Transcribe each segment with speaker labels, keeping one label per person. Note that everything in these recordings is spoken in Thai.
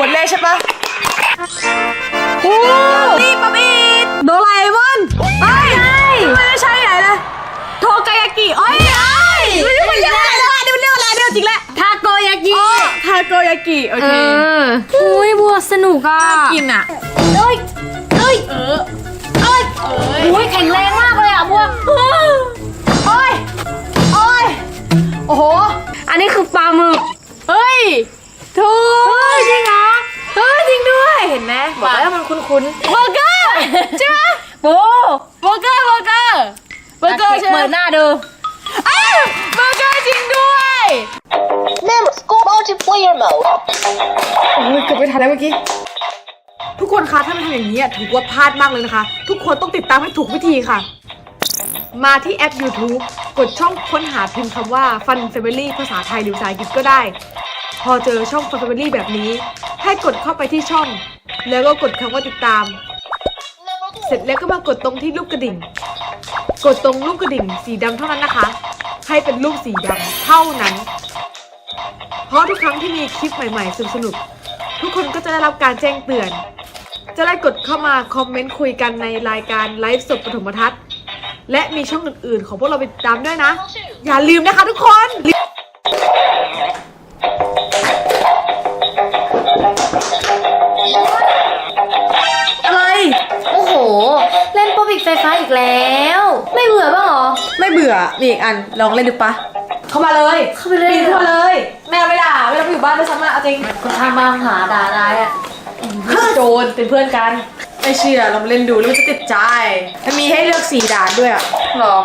Speaker 1: ดเลยใช่ปะโอ้นี่ป๊อปอิดโดราเอมอนไม่ใช่ไหนนะโทกายากิไม่ใช่ไม่ใช่เรื่องอะไรจริงแหละ
Speaker 2: ทาโกยากิ
Speaker 1: ทาโกยากิโอเค
Speaker 2: อุ้ยบัวสนุกอ่ะ
Speaker 1: กินอ่ะ
Speaker 2: อุ้ยแข็งแรงมากเลยอ่ะบัว
Speaker 1: โอ้โห
Speaker 2: อันนี้คือปลาหมึก
Speaker 1: เฮ้ยถูก
Speaker 2: จริงเหรอ
Speaker 1: จริงด้วยเห็นไหมบอกแล้วมันคุ้น
Speaker 2: เบอร์เกอร์ใช่ไหมโบเบอร์เกอร์ใช่ไหมเปิดหน้าดู
Speaker 1: เบอร์เกอร์จริงด้วย
Speaker 3: Members go multiplayer mode
Speaker 1: โอ้ยเกือบไม่ทันแล้วเมื่อกี้ทุกคนคะถ้าไม่ทำอย่างนี้ถือว่าพลาดมากเลยนะคะทุกคนต้องติดตามให้ถูกวิธีค่ะมาที่แอป YouTube กดช่องค้นหาพิมพ์คำว่า Fun Family ภาษาไทยหรือภาษาอังกฤษก็ได้พอเจอช่อง Fun Family แบบนี้ให้กดเข้าไปที่ช่องแล้วก็กดคำว่าติดตามเสร็จแล้วก็มากดตรงที่รูปกระดิ่งกดตรงรูปกระดิ่งสีดำเท่านั้นนะคะให้เป็นรูปสีดำเท่านั้นเพราะทุกครั้งที่มีคลิปใหม่ๆสนุกๆทุกคนก็จะได้รับการแจ้งเตือนจะได้กดเข้ามาคอมเมนต์คุยกันในรายการไลฟ์สดปฐมทัศน์และมีช่องอื่นๆของพวกเราไปติดตามด้วยนะอย่าลืมนะคะทุกคนอะไร
Speaker 2: โอ้โหเล่นป๊อปอิดไฟฟ้าอีกแล้วไม่เบื่อบ้างหรอ
Speaker 1: ไม่เบื่อมีอีกอันลองเล่นดูปะเข้ามาเลยปีนเข้ามาเลยแม่ไม่ด่าไม่ต้องอยู่บ้านด้วยซ้ำอะเอาจริง
Speaker 2: คนทางมาหาด่าได้อะ
Speaker 1: โจรเป็นเพื่อนกันไม่เชื่อลองเล่นดูแล้วมันจะติดใจมันมีให้เลือก4 ด่านด้วยอะหรอ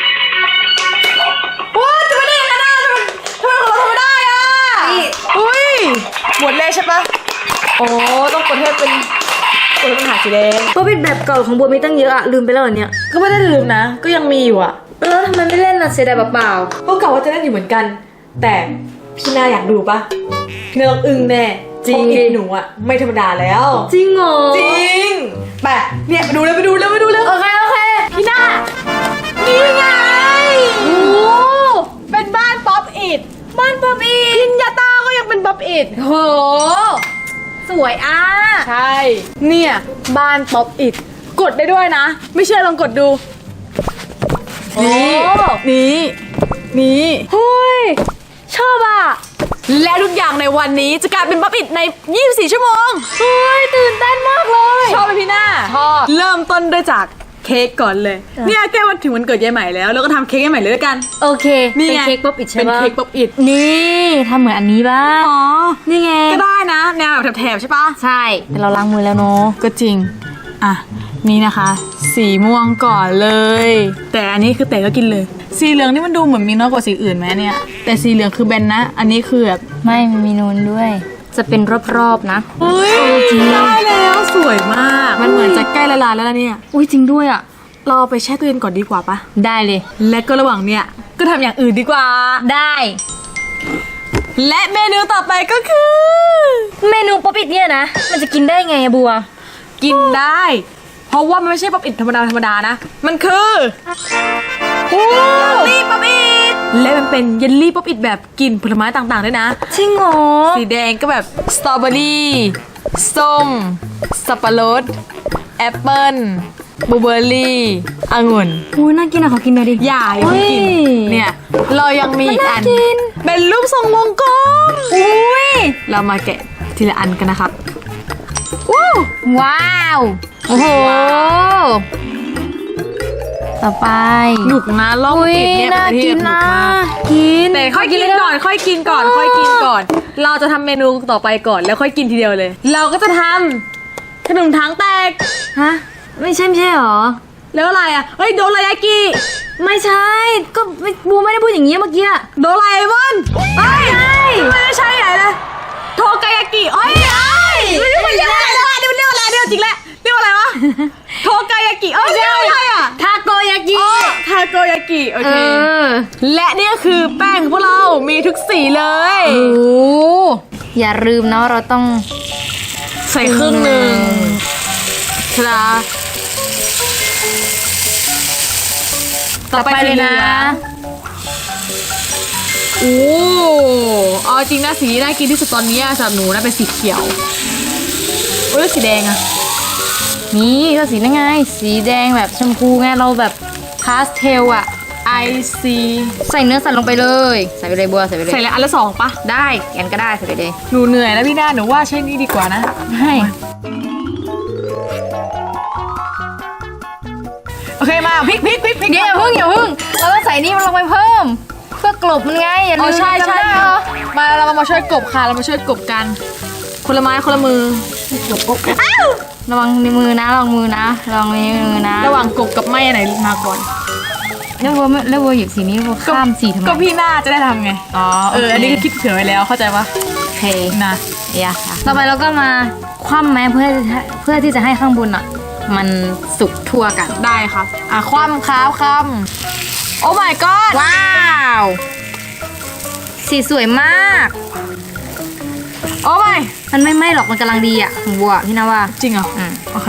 Speaker 1: ว้าจะไม่ได้ยังไงนะทำไมของเราทำไม่ได้อะอุ้ยหมดเลยใช่ปะโอ้ต้องกดให้เป็นกดปัญหาสีแดง
Speaker 2: ป๊อปอิดแบบเก่าของบัวมีตั้งเยอะอะลืมไปแล้วเหรอเนี่ย
Speaker 1: ก็ไม่ได้ลืมนะก็ยังมีอยู่อะ
Speaker 2: แล้วทำไมไม่เล่นล่ะเสียดายเปล่า
Speaker 1: เพราะเก่าว่าจะเล่นอยู่เหมือนกันแต่พี่นาอยากดูปะพี่นาต้องอึ้งแน่จริงหนูอะไม่ธรรมดาแล้ว
Speaker 2: จริงเหรอ
Speaker 1: จริงไปเนี่ยไปดูเลย
Speaker 2: โอเค
Speaker 1: พี่นานี่ไงโอ้เป็นบ้านป๊อปอิดพินยาต้าก็ยังเป็นป๊อปอิด
Speaker 2: โหสวยอ่ะ
Speaker 1: ใช่เนี่ยบ้านป๊อปอิดกดได้ด้วยนะไม่เชื่อลองกดดูนี่
Speaker 2: เฮ้ยชอบอ่ะ
Speaker 1: และทุกอย่างในวันนี้จะกลายเป็นป๊อปอิดใน24 ชั่วโมง
Speaker 2: เฮ้ยตื่นเต้นมากเลย
Speaker 1: ชอบไหมพี่หน้า
Speaker 2: ชอบ
Speaker 1: เริ่มต้นด้วยจากเค้กก่อนเลยเนี่ยแก้วันถึงวันเกิดยายใหม่แล้วก็ทำเค้กยายใหม่เลยด้วยกัน
Speaker 2: โอเคนี่เป็นเค้กป๊อปอิดใช่
Speaker 1: ปะเป็นเค้กป๊อปอิด
Speaker 2: นี่ทำเหมือนอันนี้บ้าง
Speaker 1: อ๋อ
Speaker 2: นี่ไง
Speaker 1: ก็ได้นะแนวแบบแถบใช่ปะ
Speaker 2: ใช่แต่เราล้างมือแล้วเนาะ
Speaker 1: ก็จริงอ่ะนี่นะคะสีม่วงก่อนเลยแต่อันนี้คือแต่ก็กินเลยสีเหลืองนี่มันดูเหมือนมีน้อยกว่าสีอื่นไหมเนี่ยแต่สีเหลืองคือแบนนะอันนี้คือแบบ
Speaker 2: ไม่มีนูนด้วยจะเป็นรอบๆนะ
Speaker 1: เฮ้ยจริงได้แล้วสวยมากมันเหมือนจะใกล้ละลายแล้วเนี่ย
Speaker 2: อุ้ยจริงด้วยอ่ะ
Speaker 1: เราไปแช่ตู้เย็นก่อนดีกว่าปะ
Speaker 2: ได้เลย
Speaker 1: และก็ระหว่างเนี่ยก็ทำอย่างอื่นดีกว่า
Speaker 2: ได้
Speaker 1: และเมนูต่อไปก็คือ
Speaker 2: เมนูป๊อปอิดเนี่ยนะมันจะกินได้ไงอะบัว
Speaker 1: กินได้เพราะว่ามันไม่ใช่ป๊อปอิดธรรมดานะมันคือเยลลี่ป๊อปอิดและมันเป็นเยลลี่ป๊อปอิดแบบกลิ่นผลไม้ต่างๆด้วยนะ
Speaker 2: จริงเหรอ
Speaker 1: สีแดงก็แบบสตรอเบอรี่ส้มสับปะรดแอปเปิ้ลบลูเบอร์รี่องุ่น
Speaker 2: อุ้ยน่ากินอะขอกินหน่อยดิ
Speaker 1: อย่ากินเนี่ยเรายังมีอีกอันเป็นรูปทรงวงกลม
Speaker 2: อุ้ย
Speaker 1: เรามาแกะทีละอันกันนะครับ
Speaker 2: ว้าวโอ้โหต่อไป
Speaker 1: หนุกนะล่องกินเนี่ย
Speaker 2: เป็นที่หนุกมาก
Speaker 1: แต่ค่อยกินก่อนเราจะทำเมนูต่อไปก่อนแล้วค่อยกินทีเดียวเลยเราก็จะทำขนมถังแตก
Speaker 2: ฮะไม่ใช่หรอ
Speaker 1: แล้วอะไรอ่ะเฮ้ยโดรายากิ
Speaker 2: ไม่ใช่ก็บูไม่ได้พูดอย่างนี้เมื่อกี้
Speaker 1: โดราเอมอนไม่ใช่ไหนนะโทกายากิไม่ใช่เรื่องอะไรจริงแหละเรียกว่าอะไรวะโทกายากิเรียกอะไรอ่ะ
Speaker 2: ทาโกยากิ
Speaker 1: โอเคและนี่ก็คือแป้งของพวกเรามีทุกสีเลย
Speaker 2: โอ้อย่าลืมเนาะเราต้อง
Speaker 1: ใส่ครึ่งหนึ่งครับ ต่อไปเลยนะโอ้เอา
Speaker 2: เอาจริงนะสีน่ากินที่สุดตอนนี้สำหรับหนูนะเป็นสีเขียวโอ้ยแล้วสีแดงอะนี่ก็สีนั่นไงสีแดงแบบชมพูไงเราแบบพาสเทลอะ
Speaker 1: I see
Speaker 2: ใส่เนื้อสัตว์ลงไปเลยใส่ไปเลยบัวใส่ไปเลย
Speaker 1: ใส่เลยอันละ2ปะ
Speaker 2: ได้แกนก็ได้ใส่ไปเลย
Speaker 1: หนูเหนื่อยแล้วพี่นาหนูว่าใช้นี่ดีกว่านะ
Speaker 2: ให้
Speaker 1: โอเคมาพริก
Speaker 2: เดี๋ยวอย่าเพิ่งเราต้องใส่นี่มันลงไปเพิ่ม เพื่อกลบมันไงอย่าลื
Speaker 1: อ๋อ
Speaker 2: ม
Speaker 1: ใช่
Speaker 2: จำได้เหรอ
Speaker 1: มาเรามาช่วยกบค่ะเรามาช่วยกบกัน คนละไม้คนละมือ
Speaker 2: ระวังในมือนะระวังมือนะระวังในมือนะ
Speaker 1: ระหว่างกบกับไม้อันไหนมาก่อน
Speaker 2: แล้ววัวหยิบสีนี้วัวข้ามสีทำไม
Speaker 1: ก็พี่นาจะได้ทำไง
Speaker 2: อ๋อ
Speaker 1: อันนี้ก็คิดเผื่อไว้แล้วเข้าใจปะ
Speaker 2: โอเค
Speaker 1: นะ
Speaker 2: ต่อไปเราก็มาคว่ำแม้เพื่อที่จะให้ข้างบนอ่ะ มันสุกทั่วกัน
Speaker 1: ได้ครับคว่ำคำโอ้ my god
Speaker 2: ว้าวสีสวยมาก
Speaker 1: โอ้ my
Speaker 2: มันไม่ไหม้หรอกมันกำลังดีอ่ะของวัวพี่นะว่า
Speaker 1: จริงเหรอ
Speaker 2: อืม
Speaker 1: โอเค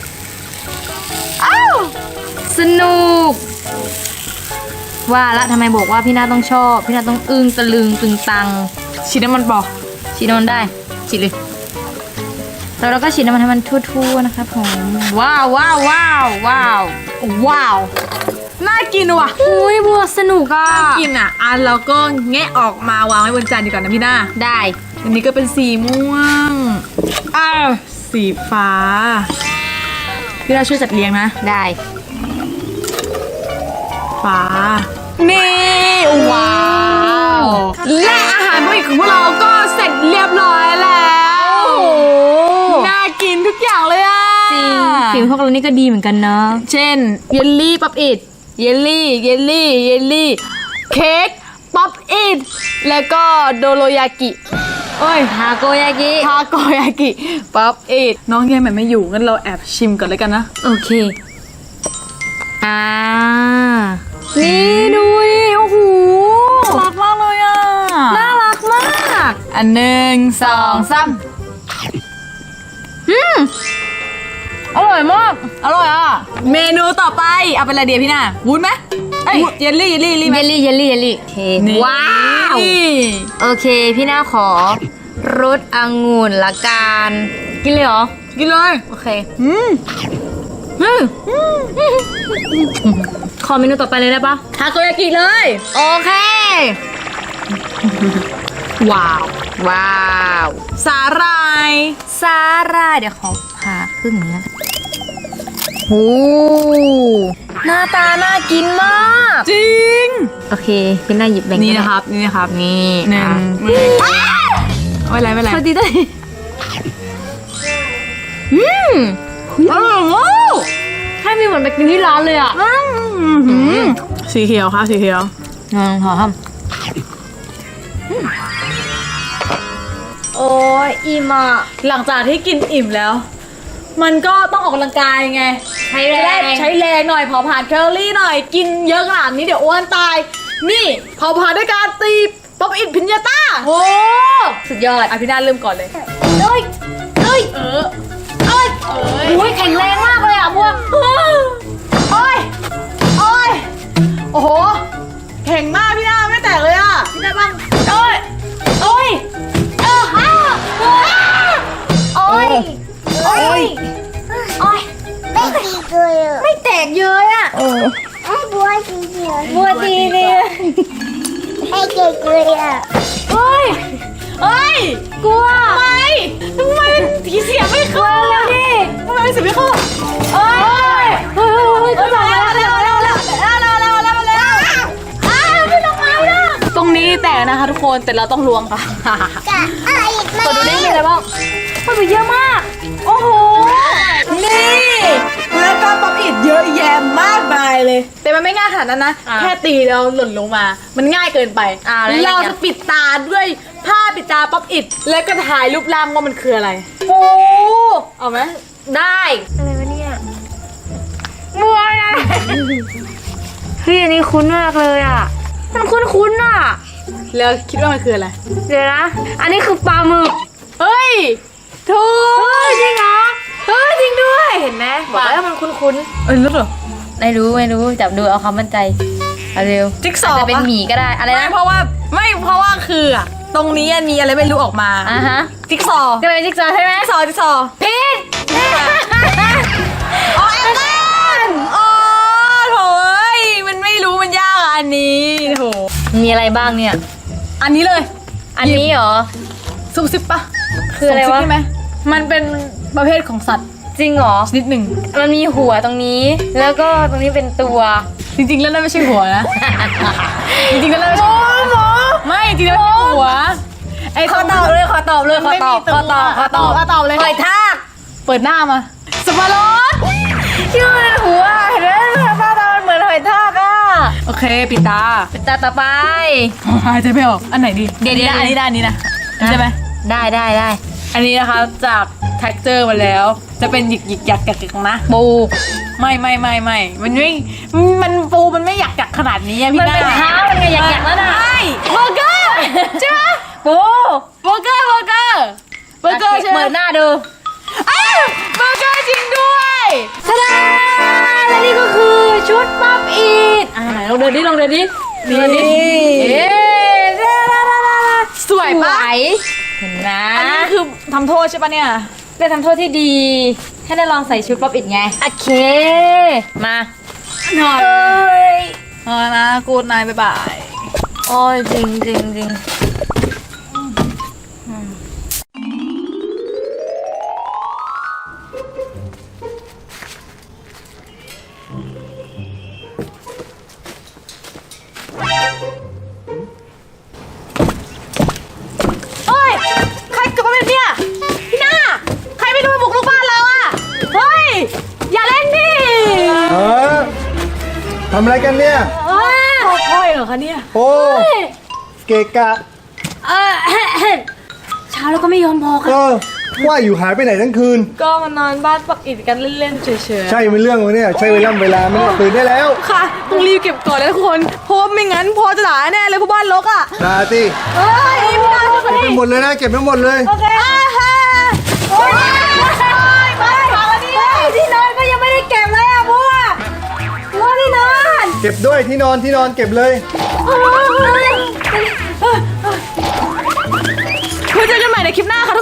Speaker 2: สนุก ว่าละทำไมบอกว่าพี่นาต้องชอบ พี่นาต้องอึ้งตะลึงตึงตัง
Speaker 1: ฉีดน้ำมันบอก
Speaker 2: ฉีดน้ำมันได้ฉีดเลยแล้วเราก็ฉีดน้ำมันให้มันทั่วๆนะครับผมว้าว
Speaker 1: น่ากินว่ะ
Speaker 2: อุ้ยบัวสนุกอ่ะ
Speaker 1: กินเราก็แงะออกมาวางไว้บนจานดีกว่านะพี่นา
Speaker 2: ได้
Speaker 1: อันนี้ก็เป็นสีม่วงสีฟ้าพี่นาช่วยจัดเรียงนะ
Speaker 2: ได้
Speaker 1: ฟ้า นี่ว้าว และอาหารมื้อของพวกเราก็เสร็จเรียบร้อยแล้วน่ากินทุกอย่างเลยอ่ะ
Speaker 2: จริงฝีมือพวกเรานี่ก็ดีเหมือนกันเนาะ
Speaker 1: เช่นเยลลี่ป๊อปอิดเยลลี่เค้กป๊อปอิดแล้วก็โดโรยากิโอ้ย
Speaker 2: ทาโกยากิ
Speaker 1: ทาโกยากิป๊อปอิดน้องแยมแบบไม่อยู่งั้นเราแอบชิมก่อนเลยกันนะ
Speaker 2: โอเคนี่ดูดิโอ้โห
Speaker 1: รักมากเลยอ่ะ
Speaker 2: น่ารักมาก
Speaker 1: อัน1 2 3
Speaker 2: อร่อยมาก
Speaker 1: อร่อยอ่ะเมนูต่อไปเอาเป็นอะไรเดียพี่นาวุ้นไหมเอ้ยเยลลี่ไหม
Speaker 2: เยลลี่โอเค
Speaker 1: นี่
Speaker 2: ว้าว โอเค พี่น่าขอรสองุ่นละกันกินเลยเหรอ
Speaker 1: กินเลย
Speaker 2: โอเคขอเมนูต่อไปเลยได้ปะ
Speaker 1: ทาโกยากิเลย
Speaker 2: โอเค
Speaker 1: ว้าว สาหร่าย
Speaker 2: สาหร่ายเดี๋ยวขอผ่าครึ่งนี้โอ้หน้าตาน่ากินมาก
Speaker 1: จริง
Speaker 2: โอเคพี่น่าหยิบแบ่ง
Speaker 1: นี่
Speaker 2: ก็ได้
Speaker 1: นะครับนี่
Speaker 2: หนึ่ง
Speaker 1: ไม่เป็นไร
Speaker 2: พอดีได้
Speaker 1: อร่อยมาก
Speaker 2: ให้มีเหมือนไปกินที่ร้านเลยอ่ะ
Speaker 1: สีเขียวค่ะสีเขียว
Speaker 2: ขอทำโอ้ยอิ่มอ่ะ
Speaker 1: หลังจากที่กินอิ่มแล้ว มันก็ต้องออกกำลังกายไง
Speaker 2: ใช้แร
Speaker 1: จะได้
Speaker 2: ง
Speaker 1: ใช้แรงหน่อยเผาผลาญแคลอรี่หน่อยกินเยอะขนาดนี้เดี๋ยวอ้วนตาย นี่เผาผลาญด้วยการตีป๊อปอิดพิญญาต้า
Speaker 2: โอ้สุดยอด
Speaker 1: พี่นาเริ่มก่อนเลย
Speaker 2: เอ้ย
Speaker 1: โอ้ย
Speaker 2: แข็งแรงมากเลยอ่ะพวก
Speaker 1: โอ้โหแข็งมากพี่นาไม่แตกเลยอ่ะพี่นาบ้างโอ้ย
Speaker 2: โอ้ยไม่แตกเยอะอ่ะบัวทีเนี่ย
Speaker 1: เฮ้ยกลัวทำไมผีเสียไม่เข้าแล้วดิทำไมเสียไม่เข้าก็มาแล้วตรงนี้แตกนะคะทุกคนแต่เราต้องล้วงค่ะกดดูได้มีอะไรบ้างมันเยอะมากโอ้โหนี่แล้วก็ป๊อปอิดเยอะแยะมากมายเลย แต่มันไม่ง่ายขนาดนั้นนะแค่ตีแล้วหล่นลงมา มันง่ายเกินไปเราจะปิดตาด้วยผ้าปิดตาป๊อปอิดแล้วก็ถ่ายรูปร่างว่ามันคืออะไรโอ้เอาไหม
Speaker 2: ได้อะไรวะเนี่ยบัวนะเฮ้ยอันนี้คุ้นมากเลยอ่ะมันคุ้นๆอ่ะ
Speaker 1: แล้วคิดว่ามันคืออะไร
Speaker 2: เดี๋ยวนะอันนี้คือปลาหมึก
Speaker 1: เฮ้ยถูก
Speaker 2: จริงเหรอจริงด้วยเห็นไหมบอกแล้วมันคุ้น
Speaker 1: รู้เหรอ
Speaker 2: ๆไม่รู้จับดูเอาความมั่นใจเอาเร็ว
Speaker 1: จิ๊กซอว์
Speaker 2: าจจะเป็น
Speaker 1: ปะ
Speaker 2: หมีก็ได้อะไร
Speaker 1: ไม่
Speaker 2: นะ
Speaker 1: เพราะว่าคือตรงนี้มีอะไรไม่รู้ออกมา
Speaker 2: อ่ะฮะ
Speaker 1: จิ๊กซอว์
Speaker 2: ก็เลยจิ๊กซอว์ใช่ไหม
Speaker 1: จิ๊กซอว์
Speaker 2: ผิด
Speaker 1: อ๋อแอปเปิ้ลอ๋อโถเอ้ยมันไม่รู้มันยากอ่ะอันนี้โถ
Speaker 2: มีอะไรบ้างเนี่ย
Speaker 1: อันนี้เลย
Speaker 2: อันนี้เหรอ
Speaker 1: ซุปซิปปะ
Speaker 2: คืออะไรวะ
Speaker 1: ซุปซิปใช่ไหมมันเป็นประเภทของสัตว์
Speaker 2: จริงเหรอ
Speaker 1: ชนิดหนึ่ง
Speaker 2: มันมีหัวตรงนี้ แล้วก็ตรงนี้เป็นตัว
Speaker 1: จริงๆแล้วนั่นไม่ใช่หัวนะ จริงๆแล้วนั่นไม่ใช่หัวไม่จริงๆแล้วไม่ใช่หัวไอ้
Speaker 2: ขอตอบเลยขอตอบเลยขอตอบ
Speaker 1: ไม่มีตัว
Speaker 2: ขอตอบ
Speaker 1: ตอบเลย
Speaker 2: หอยทาก
Speaker 1: เปิดหน้ามาสับปะรด
Speaker 2: ชื่อมันหัวเห็นไหมหน้าตามันเหมือนหอยทากอ่ะ
Speaker 1: โอเคปิดตา
Speaker 2: เป็นตาต่อไป
Speaker 1: หายใจไม่ออกอันไหนดี
Speaker 2: เดี๋ยว
Speaker 1: อันนี้ได้อันนี้นะใช่ไหม
Speaker 2: ได้
Speaker 1: อันนี้นะคะจาก texture มาแล้ว จะเป็นหยิกหยิกหยักหยักๆนะ
Speaker 2: ปู
Speaker 1: ไม่มันไม่มันปูมันไม่หยักหยักขนาดนี้อะพี่
Speaker 2: มัน
Speaker 1: หน้า
Speaker 2: เป็นเท้ามันไงอยากแล้วนะ
Speaker 1: ใช่เบอร์เกอร์ใช่ไหม
Speaker 2: ปู
Speaker 1: เบอร์เกอร์ใช่ไหม
Speaker 2: เปิดหน้าดู
Speaker 1: อ้าวเบอร์เกอร์จริงด้วย
Speaker 2: ทาดาและนี่ก็คือชุดป๊อปอีทไหนลองเดินดิลองเดินดิ
Speaker 1: นี่
Speaker 2: เอ๊ะ
Speaker 1: สวยปะ
Speaker 2: เห็นนะ
Speaker 1: อันนี้คือทำโทษใช่ปะเนี่ย
Speaker 2: เป็นทำโทษที่ดีให้ได้ลองใส่ชุดป๊อปอิดไง โอเค มา
Speaker 1: หน่อย
Speaker 2: เอ้ย
Speaker 1: เอาละนะกูดนายบ๊ายบาย
Speaker 2: โอ้ยจริง
Speaker 1: เฮ้ย ใครเกิดมาเป็นเนี่ยพี่หน้า ใครไปดูบุกลูกบ้านเราอะเฮ้ย อย่าเล่นดิ
Speaker 4: ทำอะไรกันเนี่ย
Speaker 1: พ่อยเหรอคะเนี่ย
Speaker 4: โอ้เกะกะ
Speaker 2: เช้าแล้วก็ไม่ยอมพอค่ะ
Speaker 4: ว่าอยู่หายไปไหนทั้งคืน
Speaker 1: ก็มานอนบ้านปักอิดกันเล่นๆเฉยๆ
Speaker 4: ใช่เป็นเรื่องวะเนี่ย ใช่เวลาไหมเนี่ยตื่นได้แล้ว
Speaker 1: ค่ะ ต้องรีบเก็บก่อนเลยทุกคน เพราะว่าไม่งั้นพอจะด่าแน่เลยเพราะบ้านรกอะ
Speaker 4: ดาติ
Speaker 1: เฮ้ยพี่หน้าช่วย
Speaker 4: เก็บไปหมดเลยนะ เก็บไปหมดเลย
Speaker 1: โอเคโอ้ยไปฟังแล้วดิ
Speaker 2: ที่นอนก็ยังไม่ได้เก็บเลยอ่ะบัวที่นอน
Speaker 4: เก็บด้วยที่นอนเก็บเลย
Speaker 1: ไว้เจอกันใหม่ในคลิปหน้าค่ะ